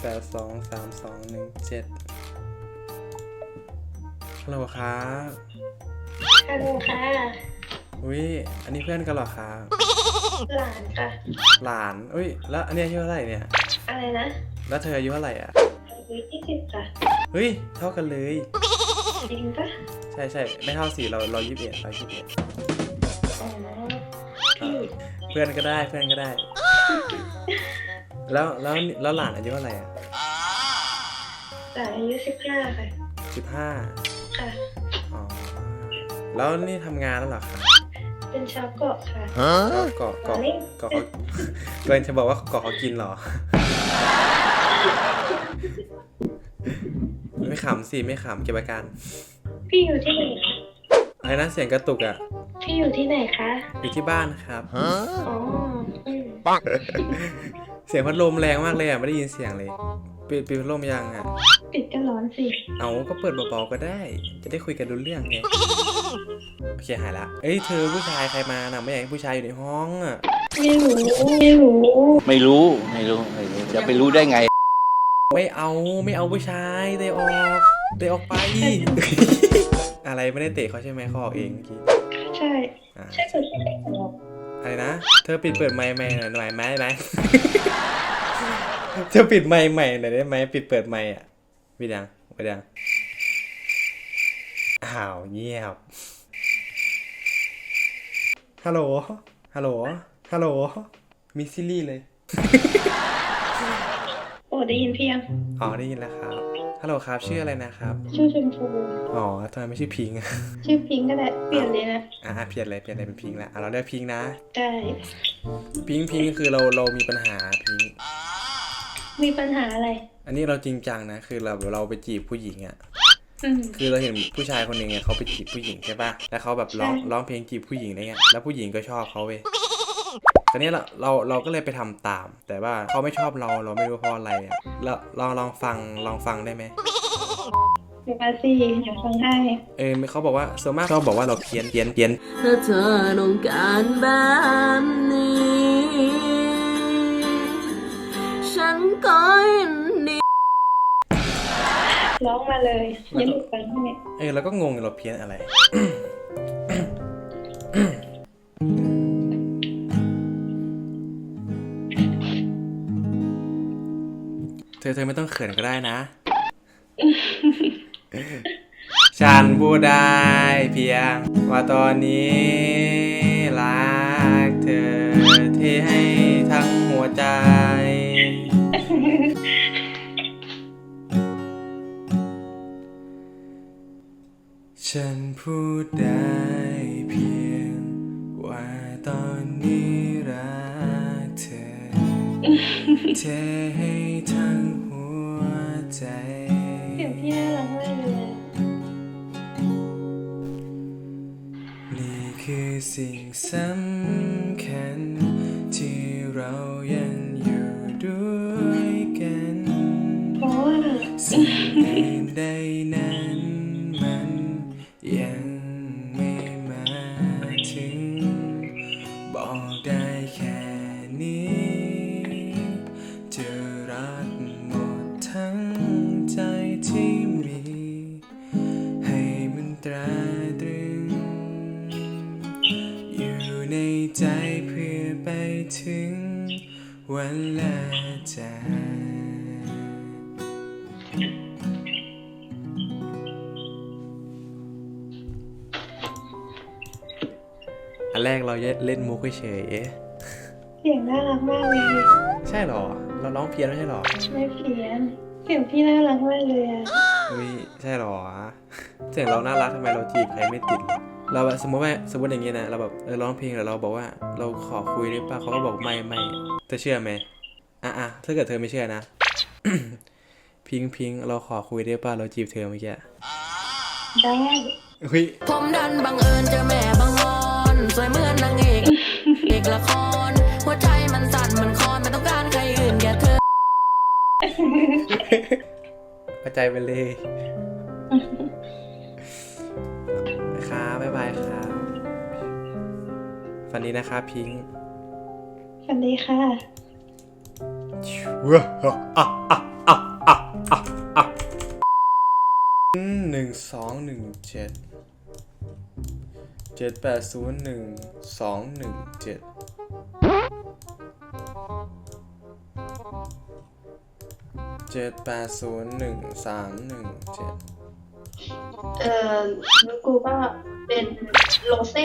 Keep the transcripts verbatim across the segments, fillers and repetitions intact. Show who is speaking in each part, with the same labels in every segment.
Speaker 1: แปดสองสามสองหนึ่งเจ็ดฮัลโหลครับ
Speaker 2: ฮัลโหลค่ะ
Speaker 1: อุ้ยอันนี้เพื่อนกันเหรอครับ
Speaker 2: หลานค่ะ
Speaker 1: หลานอุ้ยแล้วอันนี้อายุเท่าไหร่เนี่ย
Speaker 2: อะไรนะ
Speaker 1: แล้วเธออายุเท่าไหร่อ่ะ
Speaker 2: อายุยี่สิบค่ะ
Speaker 1: เฮ้ยเท่ากันเลย
Speaker 2: จริงปะ
Speaker 1: ใช่ใช่ไม่เท่าสี่เราเรายี่สิบเอ็ดเรายี่สิบเอ็ด
Speaker 2: อ๋อพี่
Speaker 1: เพื่อนก็ได้เพื่อนก็ได้ แล้วแล้วแล้วหลานอายุเท่าไหร่อ่ะ
Speaker 2: หลานอายุสิบห้าค่ะ
Speaker 1: สิบห้า
Speaker 2: ค่ะ
Speaker 1: อ๋อแล้วนี่ทำงานแล้วเหรอครับ
Speaker 2: เป็นชาวเกาะค่ะ
Speaker 1: แล้วเกาะเกาะเกาะเขาเกินจะบอกว่าเกาะเขากินเหรอ ไม่ขำสิไม่ขำเก็บอาการ
Speaker 2: พี่อยู่ที่ไหนคะ
Speaker 1: อะไรนะเสียงกระตุกอ่ะ
Speaker 2: พี่อยู่ที่ไหนคะ
Speaker 1: อยู่ที่บ้านครับ
Speaker 2: อ๋ออืม
Speaker 1: เสียงพัดลมแรงมากเลยอ่ะไม่ได้ยินเสียงเลยปิดปิดพัดลมยังอ่ะ
Speaker 2: ปิดก็ร้อนสิ
Speaker 1: เอาก็เปิดเบาๆก็ได้ จะได้คุยกันรู้เรื่องไงโอเคหายละเอ้ยเธอผู้ชายใครมาน่ะไม่อยากให้ผู้ชายอยู่ในห้องอ่ะ
Speaker 2: ไม่รู้ไม่รู้
Speaker 3: ไม่รู้ไม่รู้ไม่รู้จะไปรู้ได้ไง
Speaker 1: ไม่เอาไม่เอาผู้ชายเตะออกเตะออกไป อะไรไม่ได้เตะเขาใช่ไหมเขาออกเองเมื่อกี้
Speaker 2: ใช่
Speaker 1: อ่ะ
Speaker 2: ใช่คนที่ไหนหรอ
Speaker 1: อะไรนะเธอปิดเปิดไมค์ใหม่หน่อยหน่อยไหมไหม เธอปิดไมค์ใหม่หน่อยได้ไหมปิดเปิดไมค์อ่ะปิดยังปิดยังอ้าวเงียบฮัลโหลฮัลโหลฮัลโหลมิสซิลี่เลย
Speaker 2: โอ้ได้ยินเพียง
Speaker 1: อ๋อได้ยินแล้วครับฮัลโหลครับชื่ออะไรนะครับ
Speaker 2: ชื่อชมพู
Speaker 1: อ๋อทำไมไม่ชื่อพิงค์ อ่ะ
Speaker 2: ชื่อพิงค์ก็ได้เปลี่ยนเลยนะ
Speaker 1: อ่ะเปลี่ยนเลยเปลี่ยนเลยเป็นพิงค์ละอ่ะเราเรียกพิงค์นะ
Speaker 2: ได้
Speaker 1: พิงค์พิงค์คือเราเรามีปัญหาพิงค์
Speaker 2: มีปัญหาอะไร
Speaker 1: อันนี้เราจริงจังนะคือเราเราไปจีบผู้หญิงอ่ะ
Speaker 2: อืม
Speaker 1: คือเราเห็นผู้ชายคนหนึ่งไงเขาไปจีบผู้หญิงใช่ป่ะแล้วเขาแบบร้อง
Speaker 2: ใช่
Speaker 1: ร้องเพลงจีบผู้หญิงอะไรเงี้ยแล้วผู้หญิงก็ชอบเขาเว้ยตอนนี้เราเราเราก็เลยไปทำตาม แต่ว่าเขาไม่ชอบเราเราไม่รู้เพราะอะไรอ่ะแล้วลองลองฟังลองฟังได้ไหม
Speaker 2: เดี๋ยวมาสิเดี๋ยวฟังให้
Speaker 1: เออเขาบอกว่าส่วนมากชอบบอกว่าเราเพี้ยนเพี้ยนเพี้ยน
Speaker 4: ถ้าเธอต้องการแบบนี้ ฉันก็ยินดี
Speaker 2: ร้องมาเลยอยันหลุดฟังให้
Speaker 1: เออเราก็งงเราเพี้ยนอะไร เธอเธอไม่ต้องเขินก็ได้นะ ฉันพูดได้เพียงว่าตอนนี้รักเธอที่ให้ทั้งหัวใจ ฉันพูดได้เพียงว่าตอนนี้รักเธอ เธอให้ทั้งหัวใจ
Speaker 2: เสียงพี่น่ารักมากเลย
Speaker 1: นี่คือสิ่งสำคัญที่เรายังอยู่ด้วยกัน
Speaker 2: เพราะว่า
Speaker 1: สิ่งอื่นใดนั้นมันยังไม่มาถึง บอกได้แค่นี้จะรักหมดทั้งใจที่มี ให้มันตราตรึง อยู่ในใจเพื่อไปถึงวันลาจากอันแรกเราเล่นมุกเฉย
Speaker 2: เสียงน่ารักมากเลย
Speaker 1: ๆใช่หรอ เราร้องเพี้ยนไม่ใช่หรอ
Speaker 2: ไม่เพี้ยน เสียงพี่น่ารักมากเลยอะ
Speaker 1: อุ้ยใช่หรอ เสียงเราน่ารักทำไมเราจีบใครไม่ติดเลยเราแบบสมมติว่าสมมติอย่างเงี้ยนะเราแบบเออร้องเพลงแล้วเราบอกว่าเราขอคุยได้ป่ะเขาก็บอกไม่ไม่เธอเชื่อไหมอ่ะอ่ะถ้าเกิดเธอไม่เชื่อนะ พิงพิงเราขอคุยได้ป่ะเราจีบเธอเมื่อกี้
Speaker 2: ได้
Speaker 1: อุ้ย
Speaker 4: ผมดันบังเอิญเจอแม่บังออนสวยเหมือนนางเอกเอกละคร หัวใจมันสั่นมันคลอนไม่ต้องการใครอื่นแค่เธอ
Speaker 1: เข้าใจไปเลย ครับบ๊ายบายครับฝันดีนะครับพิง
Speaker 2: สวัสดีค่ะ
Speaker 1: ว้าอ่ะอ่ะอ่ะสองหนึ่งเจ็ดเจ็ดแปดศูนย์หนึ่งสองหนึ่งเจ็ดเจ็ดแปดศูนย์หนึ่งสามหนึ่งเจ็ด
Speaker 2: เอ่อแล้วกูก็เป็นโรเซ่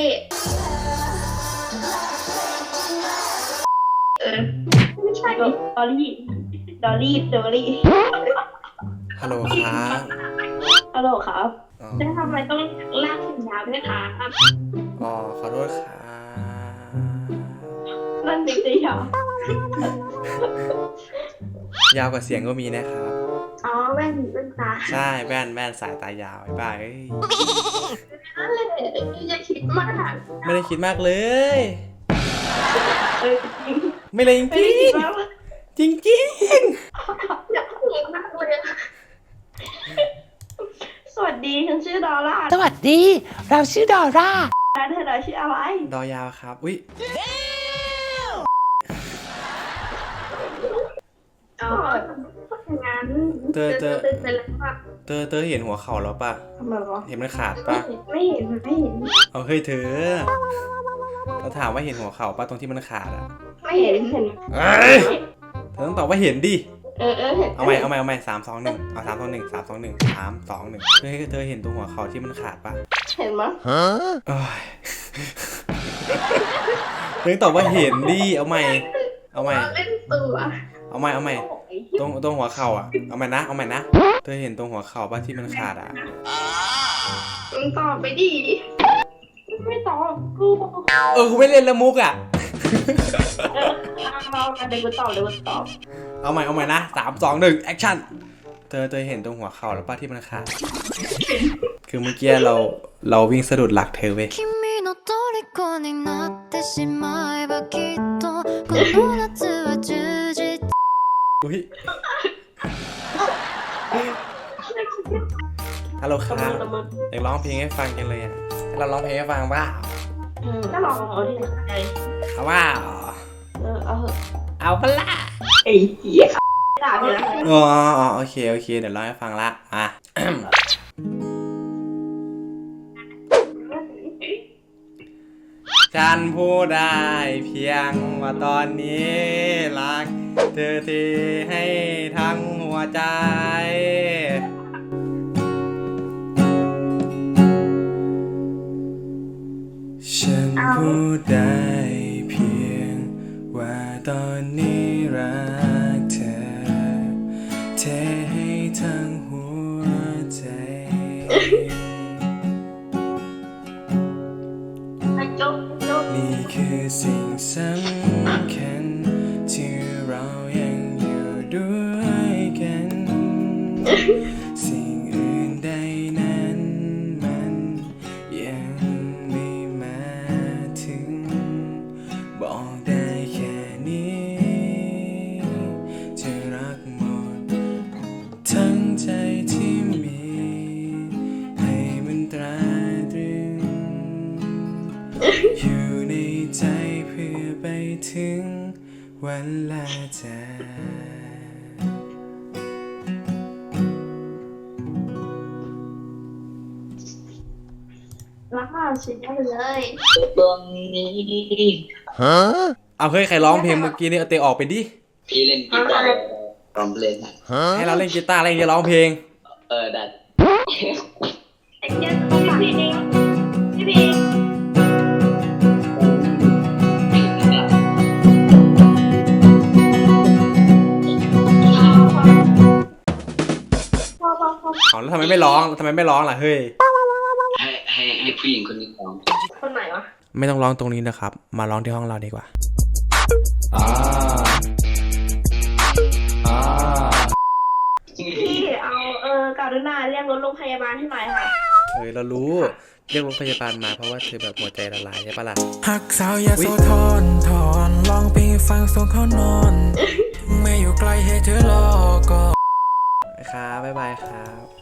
Speaker 2: เออไม่ใช่ดอลลี่ดอลลี่ดอลลี่
Speaker 1: ฮัลโหลครับ
Speaker 2: ฮัลโหลครับ
Speaker 1: อ๋อ
Speaker 2: แล้วทำไมต้องลากถึงยาวด้วยคะ
Speaker 1: อ๋อขอโทษครับ
Speaker 2: นั่นจริงๆเหรอย
Speaker 1: าวกว่าเสียงก็มีนะครับ
Speaker 2: อ๋อแว่นแว่นตา
Speaker 1: ใช่แว่นแว่นสายตายาวไอ้บ้าเอ้ย
Speaker 2: นั่นแหละอย่าคิดมาก
Speaker 1: ไม่ได้คิดมากเลย
Speaker 2: เออจริง
Speaker 1: ไม่เลยจ
Speaker 2: ไม่
Speaker 1: ริ
Speaker 2: ได้
Speaker 1: ง
Speaker 2: คิดมาก
Speaker 1: จริงจริง
Speaker 2: อยากคิดมากเลยสวัสดีฉันชื่อดอลล่า
Speaker 5: สวัสดี เราชื่อดอร่า
Speaker 2: เธอชื่ออะไร
Speaker 1: ดอยาวครับอุ้ย
Speaker 2: อ๋องั้น
Speaker 1: เตอเตอ
Speaker 2: เป็นเป็นอะไรปะ
Speaker 1: เตอเตอเห็นหัวเข่าแล้วปะ
Speaker 2: ทำไมวะ
Speaker 1: เห็นมันขาดปะ
Speaker 2: ไม่เห็นไม่เห็น
Speaker 1: เอาเฮ้ยเธอเราถามว่าเห็นหัวเข่าปะตรงที่มันขาดอะ
Speaker 2: ไม่เห็นเห็น
Speaker 1: เอ้ยเธอต้องตอบว่าเห็นดิ
Speaker 2: เออเออเห็น
Speaker 1: เอาใหม่เอาใหม่เอาใหม่สามสองหนึ่งเอาสามสองหนึ่งสามสองหนึ่งสามสองหนึ่งเธอเธอเห็นตรงหัวเข่าที่มันขาดปะ
Speaker 2: เห็นมั้ย
Speaker 1: โอ้ยเธอตอบว่าเห็นดิเอาใหม่เอาใหม่
Speaker 2: เล่นตัว
Speaker 1: เอาใหม่เอาใหม่ตรงตรงหัวเข่าอ่ะเอาใหม่นะเอาใหม่นะเธอเห็นตรงหัวเข่าป่ะที่มันขาดอ่ะ
Speaker 2: มึงตอบไปดิไม่ตอบกู
Speaker 1: เออกูไม่เล่นละมุกอ่ะ
Speaker 2: เออเราเดี๋ยวกูตอบเดี๋ยวกูตอบ
Speaker 1: เอาใหม่เอาใหม่นะสามสองหนึ่งแอคชั่นเธอเธอเห็นตรงหัวเข่าแล้วป่ะที่มันขาดคือเมื่อกี้เราเราวิ่งสะดุดหลักเธอเว้ย
Speaker 4: 君の虜になってしまえばきっとこの夏は充実
Speaker 1: อุ้ยฮัลโหลครับอยากร้องเพลงให้ฟังจังเลยอ่ะให้เราร้องเพลงให้ฟังบ้า
Speaker 2: ก็ลองเอาดิ
Speaker 1: เอาว่า
Speaker 2: เออเอาเถอะ
Speaker 1: เอาปะล่ะ
Speaker 2: ไอ้เหี้ยด่าไปแล้ว
Speaker 1: อ๋ออ๋อโอเคโอเคเดี๋ยวร้องให้ฟังละอ่ะ ฉันพูดได้เพียงว่าตอนนี้รักเธอที่ให้ทั้งหัวใจฉันพูดได้เพียงว่าตอนนี้รักเธอเทให้ทั้งหัวใจ
Speaker 2: จบจบ
Speaker 1: นี่คือสิ่งสำคัญที่เรายังอยู่ด้วยกัน สิ่งอื่นใดนั้นมันยังไม่มาถึงบอกได้แค่นี้จะรักหมดทั้งใจที่มีให้มันตราตรึงอยู่ในใจเพื่อไปถึงวันลาจาก
Speaker 2: รักเราชิดได้เลย
Speaker 6: ตรงนี้
Speaker 1: เอาเฮ้ยใครร้องเพลงเมื่อกี้นี่เอาเตะออกไปดิ
Speaker 6: พี่เล่นกีตาร์ร้องเพลงอ่ะ
Speaker 1: ให้เราเล่นกีตาร์เล่นจะร้องเพลง
Speaker 6: เออดัด
Speaker 2: ไอ้เหี้ยต้องฝากพี่พีพี่พี พอพอพอ
Speaker 1: เอาแล้วทำไมไม่ร้องทำไมไม่ร้องล่ะเฮ้ย
Speaker 6: ให้ให้ให้ผู้หญิงคนนี้ร้อง
Speaker 2: คนไหนวะ
Speaker 1: ไม่ต้องร้องตรงนี้นะครับ มาร้องที่ห้องเราดีกว่า
Speaker 2: พี่เอาเออการุณาเรียกรถโรงพยาบาลให้หน่อยค่ะ
Speaker 1: เฮ้ยเรารู้เรียกรถพยาบาลมาเพราะว่าเธอแบบหัวใจละลายใช่ปะล่ะ
Speaker 7: หักสาวยาโสธรถอนลองไปฟังส่งเขานอนถึงไม่อยู่ไกลให้เธอรอก่อน
Speaker 1: ครับบ๊ายบายครับ